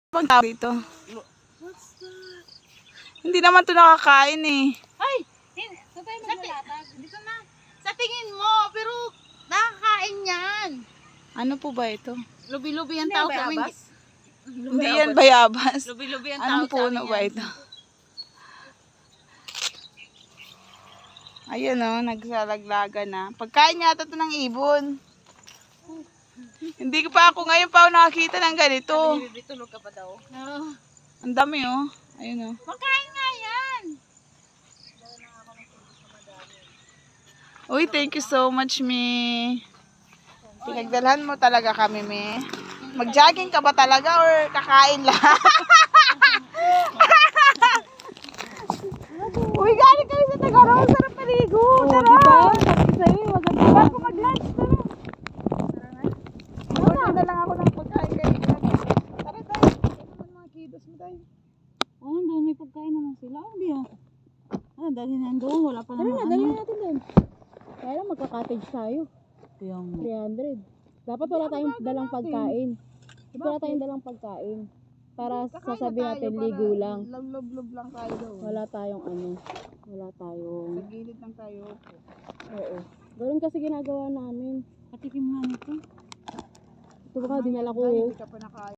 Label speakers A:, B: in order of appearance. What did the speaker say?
A: Pang tao dito. Hindi naman to nakakain eh.
B: Ay! Saan tayo maglalatag? Dito na. Sa tingin mo, pero nakakain yan.
A: Ano po ba ito?
B: Lubi-lubi ang tao sa amin.
A: Hindi yan bayabas.
B: Lubi-lubi ang tao
A: Anong
B: sa amin
A: puno ba
B: yan.
A: ito? Ayun o, nagsalaglaga na. Pagkain yata ito ng ibon. Hindi ko pa ako ngayon pa ako nakakita ng ganito.
B: Sabi ni tulog ka pa daw.
A: Ang dami oh. Ayun oh.
B: Pagkain nga yan.
A: Uy, thank you so much, Mi. Pinagdalhan mo talaga kami, Mi. Mag-jogging ka ba talaga or kakain lang? Uy, galing kami sa Tagaraw. Sarap maligo. Tara. Sabi sa'yo, maganda. Bago mag-lunch, tara. Tara na lang ako ng pagkain kayo. Tara tayo. Ano mga kidos mo tayo?
B: Oh, doon may pagkain naman sila. Hindi ah. Ah, dali na doon. Wala pa naman.
C: Dali natin doon. Kaya lang magka-cottage tayo. 300. Dapat wala tayong dalang pagkain. Dapat wala tayong dalang pagkain. Para sasabihin natin ligo lang.
A: Love lang tayo doon.
C: Wala tayong ano. Wala tayong...
A: Sa gilid lang tayo.
C: Oo. Ganoon kasi ginagawa namin.
B: Patikim nga nito.
C: Ito baka dinala ko.
A: Hindi ka pa nakain.